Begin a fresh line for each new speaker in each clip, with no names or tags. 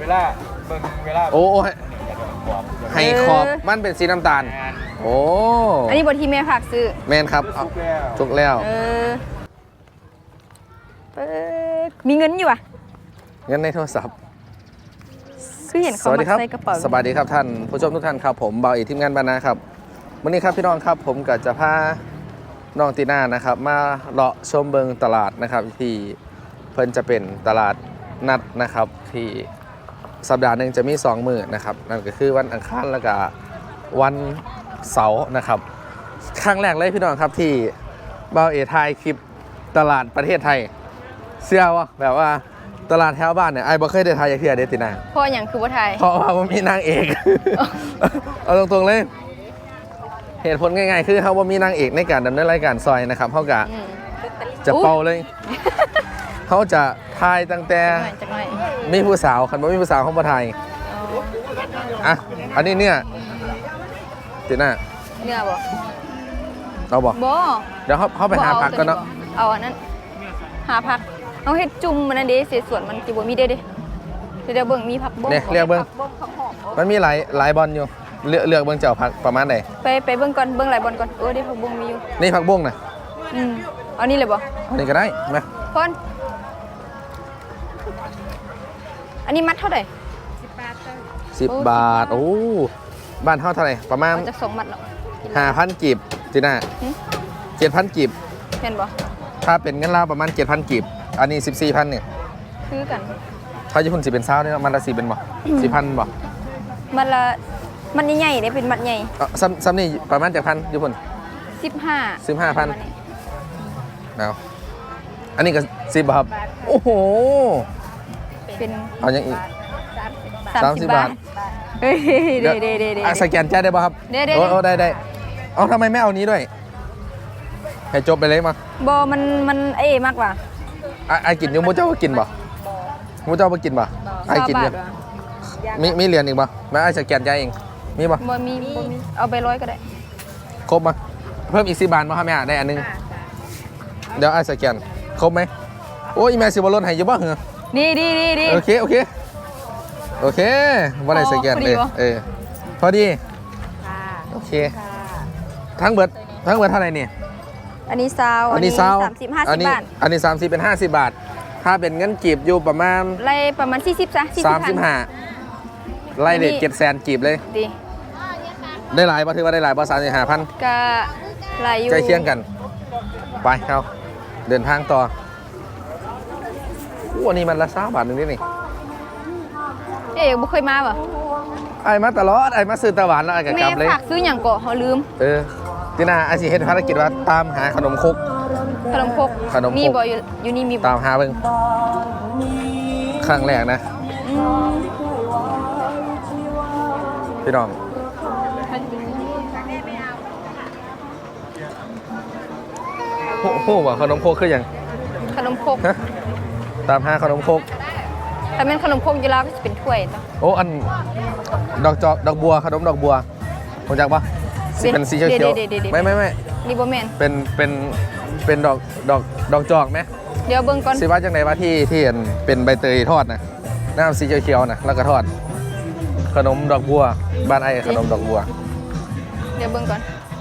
ลาเบิ่งเวลา
โอ้ให้ขอบมันเป็นสีน้ำตาลโอ้
อันนี้บทที่แม่ผักซื้อ
แมนครับทุกแล้ว
มีเงินอยู่อ่ะ
เงินในโทรศัพท์
คือเห็นเขาใส่กระเป๋า
สวัสดีครับท่านผู้ชมทุกท่านครับผมเบาอีทีมงานบรรณาครับวันนี้ครับพี่น้องครับผมก็จะพาน้องตีน่านะครับมาเลาะชมเบิงตลาดนะครับที่เพิ่นจะเป็นตลาดนัดนะครับที่สัปดาห์หนึ่งจะมี2 มื้อนะครับนั่นก็คือวันอังคารแล้วก็วันเสาร์นะครับครั้งแรกเลยพี่น้องครับที่เบาเอถ่ายคลิปตลาดประเทศไทยเชื่อว่าแบบว่าตลาดแถวบ้านเนี่ยไอ้บ่เคยได้ถ่ายอย่างเที่ยเดตินา
เพราะอย่างคือว่าไทย
เพราะว่ามันมีนางเอก เอาตรงๆเลยเหตุผลง่ายๆคือเขาว่ามีนางเอกในการดำเนินรายการซอยนะครับเขาจะเป่าเลยเขาจะทายตั้งแต่มีผู้สาวคันว่ามีผู้สาวเขามาทายอ่ะอันนี้เนี่ยติน่า
เนื้อบ่
เราบอกเดี๋ยวเขาไปหาผักกันเนาะ
เอาอันนั้นหาผักเอาเฮ็ดจุ่มมันนั่นเด้เสียส่วนมันจิบ่มีเด้เดี๋ยวเบิ่งมีผักบ้ง
เนี่ยเรียกเบิ่งมันมีหลายบอลอยู่เลือกเบิ่งเจ้าผักประมาณไหน
ไปเบิ่งก่อนเบิ่งหลายบอลก่อนได้ผักบ้งมีอยู่
นี่ผักบ้งน่ะ
เอานี่เลยบ่
อันนี้ก็ได้มา
พอนอันนี้มัดเท่าไหร่
10 บาทโอ้บ้านเท่าไหร่ประมาณ
จะ2 มัดหรอ
5,000 กีบจีน่า7,000 กีบ
เห็นบ่
ถ้าเป็นเงินลาวประมาณ 7,000 กีบอันนี้ 14,000เนี่ย
คือกัน
ถ้าญี่ปุ่นสิเป็น20,000เนี่ยมันละ4เป็นบ่ 4,000 บ่
มันใหญ่ๆได้เป็นมัดใหญ่
ซ้ำนี่ประมาณ7,000ญี่ปุ่น15,000เอาอันนี้ก็10 บาทโอ้โห
เป็น
เอาอย่างอีก30 บาท
เฮ้ยเด้
สแกนจ่ายได้ป่ะครับโอ้ได้เอาทำไมไม่เอานี้ด้วยให้จบไปเลยมา
บอมันมากกว่า
ไอ้กินอยู่มูเจ้าก็กินบ่มูเจ้าก็กินบ่ไอ้กินอยู่มีเหรียญอีกบ่มาไอ้สแกนจ่ายเองมีบ่
มีเอาไป100ก็ได้
ครบมาเพิ่มอีก10 บาทมาครับแม่ได้อันนึงเดี๋ยวไอ้สแกนครบไหมโอ้ยแม่สิบอลลนให้อยู่บ่เหรอ
ดี
โอเคว่าอะไรสแกนเลยพอดีโอเคทั้งเบิดเท่าไหร่เนี่ย
อันนี้ซาว
อันนี้
30 50 บาท
อันนี้30เป็น50 บาทถ้าเป็นเงินกีบอยู่ประมาณ
ไล่ประมาณ40ซะ
35ไล่เด็ด700,000 กีบเลย
ดี
ได้หลายป่ะถือว่าได้หลายป่ะ35,000
ก็หลายอยู่
ใจเคียงกันไปเข้าเดินทางต่ออันนี้มันละ20 บาทนึงนี่
บุเคยมาป่ะ
ไอ้มาตลอดไอ้มาซื้อตะวันแล้วไอ้กับกลับเลย
แม่ฝากซื้ออย่างก่อเขาลืม
ที่น่าไอ้สิเฮ็ดภารกิจว่าตามหาขนมครก
มีบ่อยู่นี่มี
ตามหาเบิ่งครั้งแรกนะพี่น้องโหว่าขนมครกคืออย่าง
ขนมครก
ตามหาขนมครก
แต่เป็นขนมครกอยู่แล้วก็จะเป็นถ้วย
โอ้อันดอกบัวขนมดอกบัวรู้จักปะเป็นสีเขียวไม่
นี่บ่แม่น
เป็นดอกจอกไหม
เดี๋ยวเบิ่งก่อน
สิว่าจังไหนว่าที่เป็นใบเตยทอดนะน้ำสีเขียวนะแล้วก็ทอดขนมดอกบัวบ้านไอ้ขนมดอกบัว
เดี๋ยวเบิ่งก่อน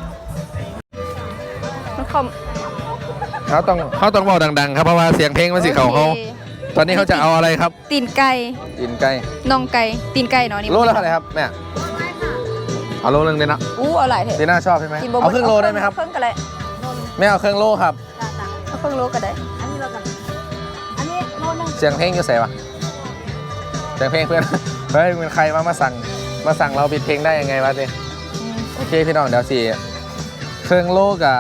มัน
เขาต้องบอกดังๆครับเพราะว่าเสียงเพลงมันสิเขาตอนนี้เขาจะเอาอะไรครับ
ตีนไก่น่องไก่ตีนไก่เนาะนี่
โลละเท่าไหร่ครับแม่เอาโลนึงเลยนะ
เอาหลายเถอะ
ตีน่าชอบใช่ไหมเอาครึ่งโลได้ไหมครับ
ครึ่งก็ได้
แม่เอาครึ่งโลครับ
เอาครึ่งโลก็ได้อันนี้โลนึง
เสียงเพลงอยู่ใส่ปะเสียงเพลงเพื่อนเฮ้ยเป็นใครมาสั่งเราปิดเพลงได้ยังไงวะเจ๊โอเคพี่น้องเดี๋ยวสิครึ่งโลกับ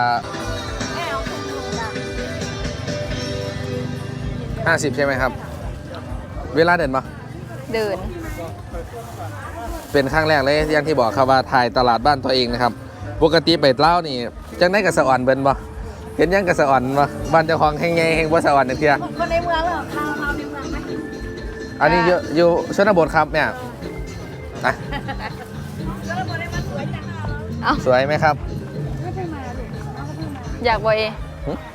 50ใช่ไหมครับเวลาเดินปะ
เดิน
เป็นครั้งแรกเลยอย่างที่บอกครับว่าถ่ายตลาดบ้านตัวเองนะครับปกติไปเล่านี่จังได้กับสะอ่อนเบิ้ลปะเห็นยังกับสะอ่อนปะบ้านเจ้าของแห่งไงแห่งบ่สะอ่อนเทีย
คนในเมืองเหรอเราในเมืองไหม
อันนี้อยู่ชนบทครับเนี่ย
ชนบทในมันสวยจัง
สวยไหมครับ
อยากบ่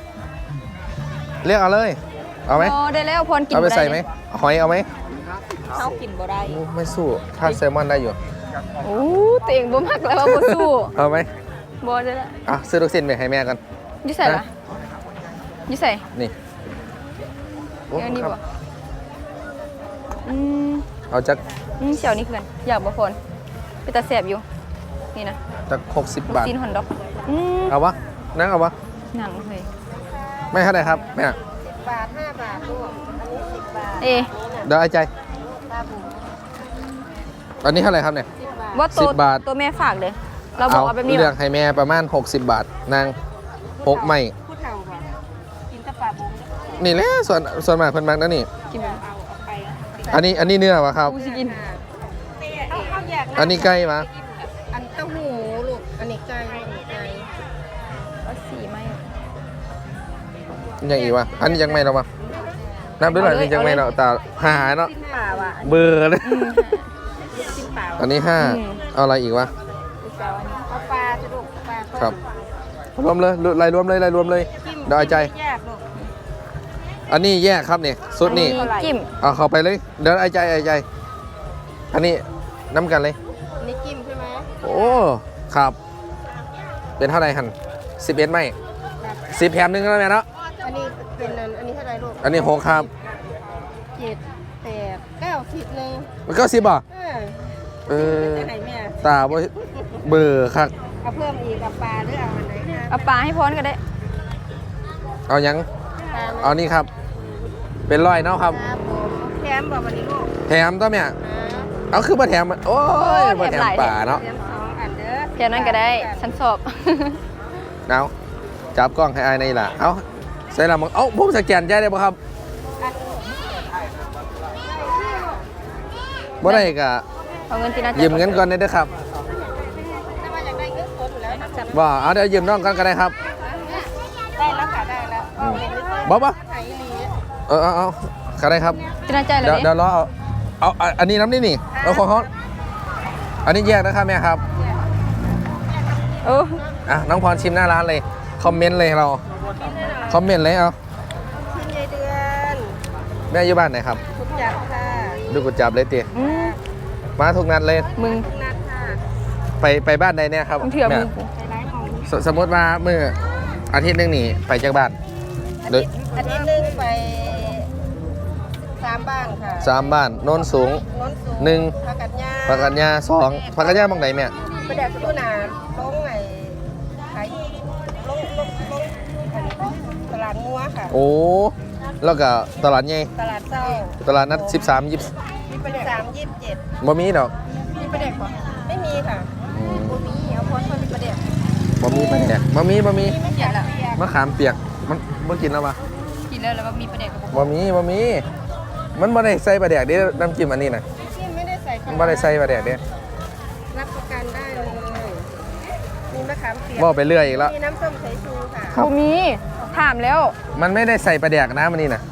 เรียกเอาเลยเอาไหม
ได้แล้วพรกิน
เอาไปใส่ไหมหอยเอาไหม
เขากินบ่ได้
โอ้ไม่สู้ถ้าแซลมอนได้อยู่
โอ้ตัวเองบ่มักแล้วว่าบ่สู้
เอาไหม
บ่ได้ละ
อ่ะซื้อลูกชิ้นไปให้แม่กัน
อยู่ใส่ละอยู่ใส่
นี่โอ้
เดี๋ยวนี้
ครับ
บ่อืม
เอาจัก
เสี่ยวนี่คือกันอยากบ่พนไปตาแสบอยู่นี่นะ
จัก60
ลูก
บาท
ชิ้นฮอนดอก
เอาวะนั่งเอาวะ
หนังเฮ้ย
ไม่เท่าไหร่ครับแม่
บาท5 บาทลูกอันนี้10 บาท
เอ๊ะ
เดี๋ยวไอ้ใจ
ปลาบู
อันนี้เท่าไหร่ครับเนี่ย
10 บาท
ว่าตัว
10 บาท
ตัวแม่ฝากเลยเราบอกเอาแบบนี้
เลือกให้แม่ประมาณ60 บาทนาง6ไม่
ผู้เฒ่าบ่กินแต่ปลาบู
นี่แหละส่วนมากเพิ่นมักนั่นนี่
กินไหม
เอาไป
อันนี้เนื้อวะครับ
กูสิกิน
เอาแยก
อันนี้ไก่มา
อันเต้าหู้ลูกอันนี้ไก่ไก่
เอาสีไหม
อย่างอีกวะอันนี้ยังไม่เราวะนับด้วยหน่อยนี่ยังไม่เราแต่หาเนาะ
สิ้นป่าว่ะ
เบอร์เลย
สิ้นป่า
อันนี้5เอาอะไรอีกวะ
เอาปลาจะลูกปลา
ครับรวมเลยรายรวมเลยรายรวมเลยเดี๋ยวไอ้ใจ
แยกลูก
อันนี้แยกครับนี่สุดนี่
อัจิ้ม
เอาเข้าไปเลยเดี๋ยวไอ้ใจอันนี้น้ำกันเลย
อันนี้จิ้มใช่ไหม
โอ้ครับ เป็นเท่าไหร่หัน11ไม่10แถมหนึงแล้วแม่เนาะ
อันนี้เป็นอันนี้เท่าไหร่ลูก
อันนี้6ครับ
7 8 9 10นึง
มันก็10บ่
เออ
เออ
จะไหนแม่
ตาบ่เบอร์ครับ
เอาเพิ่มอีกกับปลาหรือเอาอันไหนคะ
เอาปลาให้พรก็ได้
เอายัง
ปลาไหม
เอานี่ครับ เป็นร้อยเนาะครับ
ครับผมแถมบอกวันนี้ลูก
แถมตัวแม่
นะ
เอาคือมาแถมมันโอ้ยมาแถมป่าเนาะ
แถม2 อันเด้อ
แค่นั้นก็ได้ฉันสอบ
เอาจับกล้องให้อายในล่ะเอาใส่ละมึงเอ้าผมสแกนใจได้ป่ะครับบ่ได้ก็
เอาเงินที่น่าจะ
ยืมเงินก่อนได้เด้อครับ
ถ้าว่าอยากได้เงินสดอยู่แล้วนะจับ
บ่เอาเดี๋ยวยืมน้องกันก็ได้ครับ
ได้แล้วค่ะได้แล้วเอาเงินหรือเปล่า
บ่
ไทยลี
เอาก็ได้ครับ
ที่น่าใจเล
เดี๋ยวย เดี๋ยวรอเอาอันนี้น้ำนี่นี่เอาของเขาอันนี้แยกนะครับแม่ครับ
โอ้
อ่ะน้องพรชิมหน้าร้านเลยคอมเมนต์เลยเราคอมเมนต์เลยเอา
ชิ้นใหญ่เดือน
แม่อยู่บ้านไหนครับ
ทุกจับค่ะ
ดูกุดจับเลยตี
อืม
มาทุกนัดเลย
มึง
ทุกนัดค่ะ
ไปบ้านใดเนี่ยครับ
มึงเถื่อมึง
ไปไลฟ์ของ
สมมติว่ามืออาทิตย์หนึงนี่ไปจากบ้านโดย
อาทิตย์หนึงไป3 บ้านค่ะ
3 บ้านโน้นสูง
โน้นสูง
หนึ่ง
ผักกัดหญ้า
พักกันยา2พักกันยาบางไหนแม่
ประเดี๋ยวตู้นาลงไอ้ขายลงอันนี้ตลาดงัวค่ะ
โอ้แล้วก็ตลาดใหญ่
ตลาดเศร้า
ตลาดนัด13 20
มีประเด็ก3 27
บ่มีดอก
มีประเด็กปะไม่มีค่ะ
อืม
บ่มีเอาพอดมีประเด็ก
บ่มีปะเนี่ยบ่มี
ไม่เขียนละ
มะขามเปียกมันบ่กินแล้วปะ
กินแล้วแล้วก็มีประเด็กกับ
บ่มีมันบ่ได้ใส่ปลาแดกเด้น้ำจิ้มอันนี้น่ะ
ที่ไม่ได้ใส่
มันบ่ได้ใส่ปลาแดกเด้
รับประกันได้เลยมีมะขามเปียก
บ่ไปเรื่อยอีกแล้ว
มีน้ำส้มสายชูค่ะ
ครับ
กูมีถามแล้ว
มันไม่ได้ใส่ปลาแดกนะมันนี่น่ะ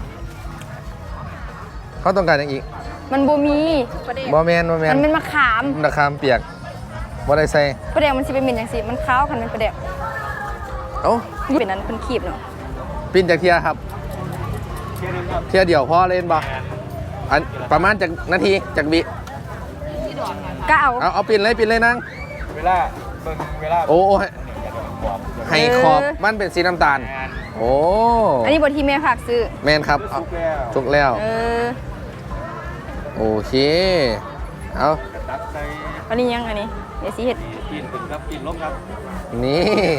เขาต้องการอย่างอีก
มันบ่มี
ประเด็ก
บ่แม่น
มันเป็นมะขาม
มะขามเปียกบ่ได้ใส่
ประเด็กมันสิเป็นเหม็นอย่างสิมันขาวคันเป็นประเด็ก
เอ้า
เป็นนั้นเป็นขีบเนาะ
ปิ้นจากเทียครับเทียเดียวพอเล่นบ่อันประมาณจากนาทีจากวิ
ก็เอา
เอาปิ้นเลยนาง
เวลาเบิ่งเวลา
โอ้ให้ขอบมันเป็นสีน้ำตาล โอ้
อันนี้บทที่แม่ฝากซื้อ
แมนครับเอา
สุกแล้ว
จุกแล้ว
เออ
โอเคเอา
ตักใส่
อันนี้ยังอันนี้เดี๋ยวสิเห็ด
กินถึงครับกินลบครับ
นี่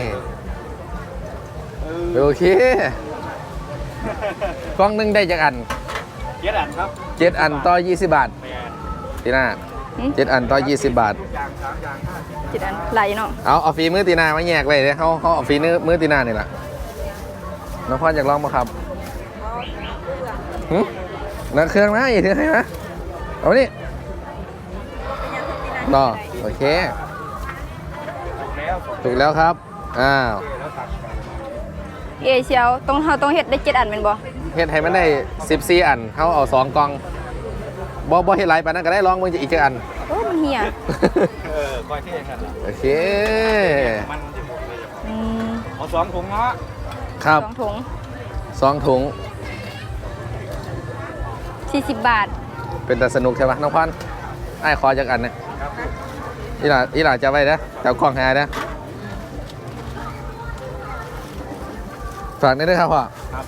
โอเคกล้องหนึงได้จากอัน
เจ็ดอันครับ
7 อันต่อ 20 บาท
แมน
ตีหน้า7 อันต่อ 20 บาท
อย่าง3อย่าง5
จิตอันไหลเนาะ
เอาฝีมือตีหนามาแยกไว้เลยเขาเอาฝีมือตีหนานี่แหละน้องพ่ออยากลองมาครับนักเครื่องนะอีกทีให้นะเอานี่ต่อโอเค
แล้ว
ถูกแล้วครับอ้าว
แล้วตักกัน
เอเชียวต้องเห็ดได้7 อันเป็นบ่
เฮ็ดให้มันได้14 อันเขาเอา2 กล่องบ่เฮ็ดหลายปานนั้นก็ได้ลองมึงจะอีกจักอัน
โอ้มันเหี่ย
คอยเท่กัน
โอเค
มันจะหมดเลย
อืม
เอา2 ถุงเนาะ
ครับ
2 ถุง
2 ถุง
40 บาท
เป็นแต่สนุกใช่ปะน้องพันไอ้ขอจากอันเนี่ยอีหล่าจะไว้นะแถวกล้องหายนะฝากนี่ด้วยครับพ่อ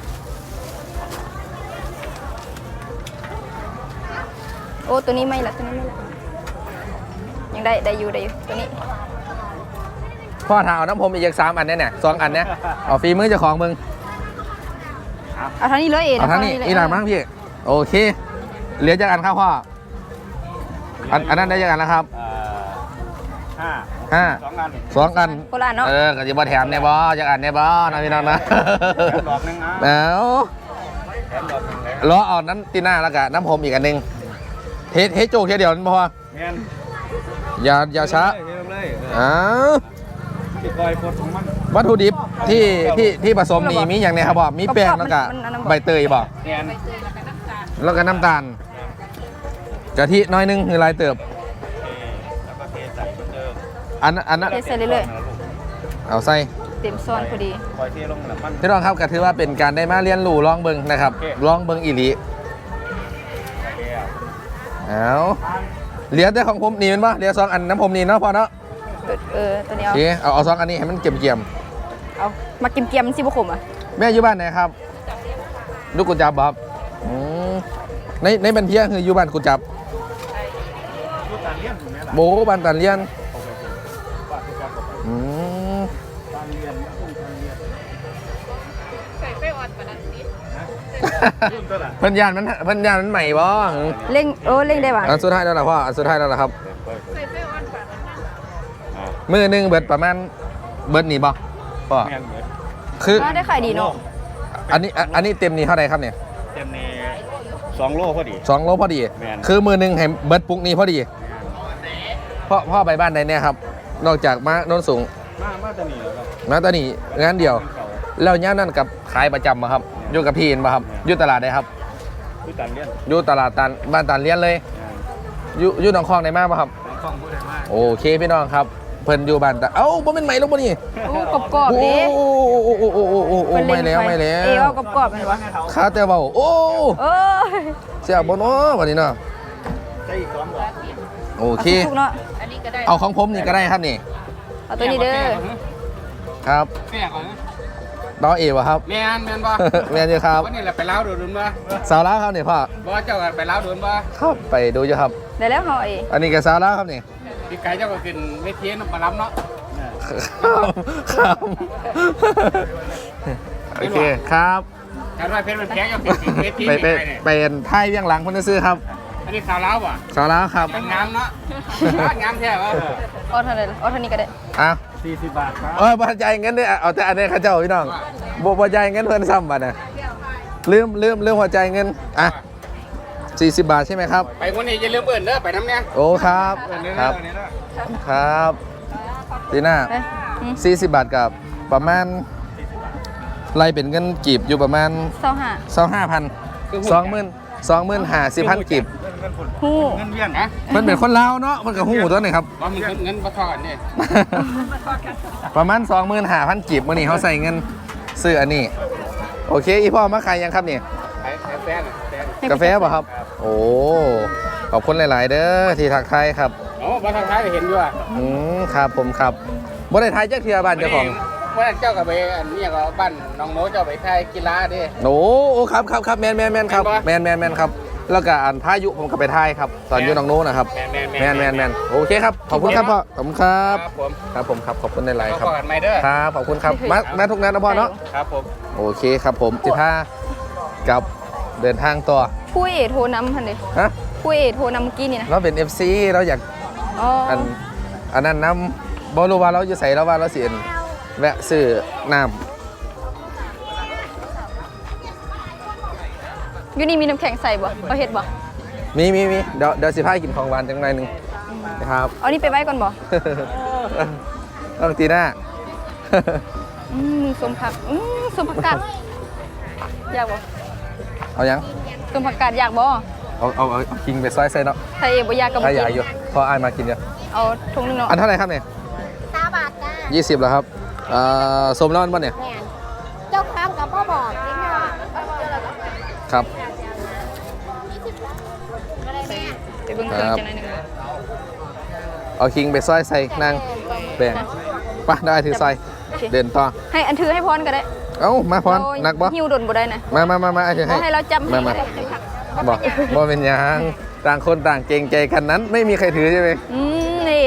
โอ้ตัวนี้ไม่ละตัวนี้ไม่ละยังได้อยู่ตัวนี้
พ่อถามเอาน้ำผมอีก3 อันเนี่ย2 อันเนี่ยเอาฟรีมือเจ้าของมึง
เอาเท่านี้เลยเอง
เอาทั้งนี้อีหล่ามั้งพี่โอเคเหลือจากอันครับพ่ออันนั้นได้จากอันแล้วครับ
5
5 2 อัน
โคราชเนาะ
ก็จะบ่แถมเนี่ยบ่จากอันเนี่ยบ่นะพี่น้องนะ
แถมดอกนึงนะ
แล้ว
แถมดอกนึงเลย
ล้อเอานั้นตีหน้าแล้วก็น้ำผมอีกอันหนึงเทโจกเทียเดียวนั่นพอ
เงี้ย
อย่าช้า
เทลงเลย
อ้าว
ติดรอยปวดของมัน
วัตถุดิบที่ผสมนี่มีอย่างไรครับบ่มีแป้งแล้วก็ใบเตยบ่
เงี้ย
แล้วก็น้ำตาลกะทิน้อยนึงคือลายเติบ
แล้วก็เทใส่เหมือนเดิม
อันนั้น
เทใส่เรื่อย
เอาใส่
ๆเต็มซ้อนพอดี
คอยเทลงน้ำมัน
พี่น้องครับก็ถือว่าเป็นการได้มาเรียนรู้ลองเบิ่งนะครับลองเบิ่งอีหลี
ใส่แล้ว
เอาเหลือแต่ของผมนี่แมันบ่เหลือ2 อันน้ำผมนี่เนาะพอเนาะ
ตัวนี้
โอเคเอา2 อันนี้ให้มันเกี่ยม
เอามาเกียมๆมันสิบ่ขมอ่ะ
ๆแม่อยู่บ้านไหนครับลูกกุญจับบ่ครับอืมในบันเทียคืออยู่บ้านกุญจับ
รูปการเลี้ยงถูกไหมล่ะ
โบบ้านตันเลียน
ปากจะบอก
อืม
การเรียนต้องการเรียน รุ่นเท่าไหร่
เพิ่นยานมันใหม่บ่
เร่งได้ว่ะ
อันสุดท้ายแล้วล่ะพ่ออันสุดท้ายแล้วล่ะครับมือหนึงเบิดประมาณเบิดนี่บ่พ่อ
เงี้ยเหมือน
คือ
ได้ขายดีเนาะ
อันนี้เต็มนี่เท่าไหร่ครับเนี่ย
เต็มนี่2 โลพอดี
2 โลพอดี
แม่น
คือมือหนึงให้เบิดปุกนี้พอดีพ่อไปบ้านใดเนี่ยครับนอกจากมาโน้นสูง
มาจะหนีแล้วครับ
มาตอนนี้งานเดียว
เขา
แล้วย่ามนั่นกับขายประจำมาครับอยู่กับพี่เห็นบ่ครับอยู่ตลาดใดครับ
คือการเลี้ยง
อยู่ตลาดตันบ้านตันเลียนเลยอยู่หนองคลองไหนมาบ่ครับ
ต้องพูดได้มาก
โอเคพี่น้องครับเพิ่นอยู่บ้านแต่เอ้าบ่เป็นไหมลงบ่นี่
โอ้กรอบๆ
โอ้
ดิ
โอ้ไม่แล้วไม่แล้ว
เอากรอบๆมันวะ
ข้าแต่เว้าโอ้
เอ้ย
เสียบ่เนาะวันนี้เนาะ
ใช่อีก2 ดอก
โอเค
ถูกเนาะ
เอาของผมนี่ก็ได้ครับนี่
เอาตัวนี้เด้อ
ครับ
แม่ก่อนนะ
ดอเอวะครับ
แม่นบ่
แม่นอยู่ครับ
วันนี้แหละไปเล้าโดนบ่
สาวลาวครับนี่พ่อ
บ่เจ้ากันไปเล้าโดนบ่
ครับไปดูอยู่ครับ
ได้แล้วเฮาเอง
อันนี้ก็สาวลาวครับนี่
พี่ไก่เจ้าก็ขึ้นเวทีน้ำปลาล้ำเนาะ
ครับโอเคครับ
การว่าเพชรมันแข็งก็ขึ้นเวที
ไป
นี่
ไป
ไงเนี่ย
เป็นไทยเวียงหลังคนซื้อครับ
อันนี้สาวเล้าป่ะ
สาวลาวครับ
งามเนาะงามแท้วะ
เอาเท่าไหร่ล่ะเอาเท่านี้ก็ได้
อ่ะ
40 บาทครับ
บ่จ่ายเงินเด้อเอาแต่อันนี้เขาเจ้าพี่น้องบ่จ่ายเงินเพิ่นซ้ำบัดน่ะลืมหัวใจายเงินอ่ะ40 บาทใช่ไหมครับ
ไปคนนี้อย่าลืมเอิ่นเด้อไปน้ำเนี่ย
โอ้ครับ
เอิ่นเด้อ
ครับ
เด้อ
ครับตีน่า
เอ้ยอืม
40 บาทกับประมาณไล่เป็นเงินกีบอยู่ประมาณ
25
25,000 กีบ
ฮู้
เงินเวียนนะ
มันเป็นคนลาวเนาะมันก็หูตัวนี่ครับ
ว่ามันเงินบ่ทอดนี่
ประมาณ 25,000 กีบมื้อนี้เขาใส่เงินซื้ออันนี้ โอเค อีพ่อมาขายยังครับนี่
ไอ้แฟนแฟน
กาแฟป่ะครับ โอ้ ขอบคุณหลาย ๆ เด้อที่ทักทายครับ
โอ้บ่ทางท้ายเห็นอยู่อ่ะ
ครับผมครับบ่ได้ทายจักเทื่อบ้านเจ้าของ
ว่าเจ้ากับไปอันนี้ก็บ้านน้องโน้เจ้าไปไทยกีฬาดิ
โอ้ครับแมนครับ
แม่นบ่
แมนครับ แล้วก็อันพายุผมก็ไปทายครับ ตอนอยู่หนองโน้นนะครับ
แม่น
แมนโอเคครับ ขอบคุณครับพ่อ ขอบคุณครับ
ผม
ครับผมครับ ขอบคุณหลาย ๆ ครับ
ขอกันใหม่เด้อ
ครับ ขอบคุณครับ มาทุกนัดนะพ่อเนาะ
ครับผม
โอเคครับผมสิพากับเดินทางต่อ
ผู้เอโทรนำหั่นเด้
ฮะ
ผู้เอโทรนำเมื่อกี้นี่นะ
เราเป็น FC เราอยาก
อ๋อ
อันนั้นน้ำบอรู้ว่าเราจะใส่แล้วว่าเราเสียนแวะซื้อน้
อยู่นี่มีน้ำแข็งใส่บ่เขาเฮ็ดบ่
ำมีเดี๋ยวสิพากินของหวานจังหน่อยหนึงนะครับ
เอานี่ไปไว้ก่อนบ่
ต้องตีหน้า
สมผักสมผักกาดอยากบ่
เอายัง
สมผักกาดอยากบ่
เอาคิงไปซอยใส่เนาะ
ถ้าเอบ่อยากก็บ่
ถ้าอ
กิ
ยากอยู่
น
พออายมากินเยอะ
เอาถุงนึงเนาะ
อันเท่าไหร่ครับเนี่ย
20 บาทจ้า
20แล้วครับสมร้อนป่ะเนี่ย
แม่นเจ้าค้างกับพ่อบอกนิดหน่อย
ครับ
ไป
เบิ่งเครื่อง
ครับ
จังหน่อยหนึง
เอาคิงไปซอยใส่นางแบ่งไปได้ถือใส่
โอเค
เดินต่อ
ให้อันถือให้พรก็ได้
เอ้ามาพร
โอ้ย
หนักบ่
หิ้วดนบ่ได้นะ
มาอาจจะ
บ่
ให้
ให้เราจำให้
มา
ก็ได้
บอกบ่เป็นหยังต่างคนต่างเกรงใจกันนั้น ไม่มีใครถือใช่ไหม
นี่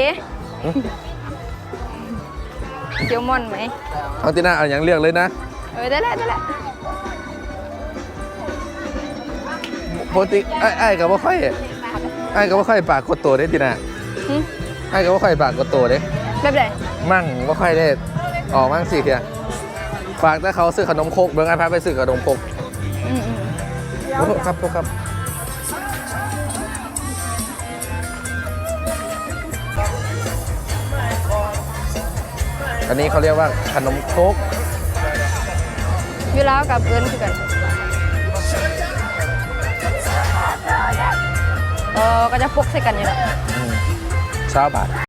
เจียวม่อนไหม
เอาที่หน้าเอาอย่างเลือกเลยนะ
ได้แล้ว
ปกติไอ้กับว่าค่อยไอ้กับว่าค่อยปากกดตัวได้ทีน่ะ
หึ
ไอ้กับว่าค่อยปากกดตัวได้
แบบไหน
มั่งว่าค่อยได้ออกมั่งสิเทียฝากถ้าเขาซื้อขนมโคกเบิ้งไอ้พาไปซื้อขนมโคก
อืม
โอ้โหครับโทษครับอันนี้เขาเรียกว่าขนมโคก
อยู่แล้วกับเอิญคือกันก็จะพกใส่กันอยู่แล้ว
20 บาท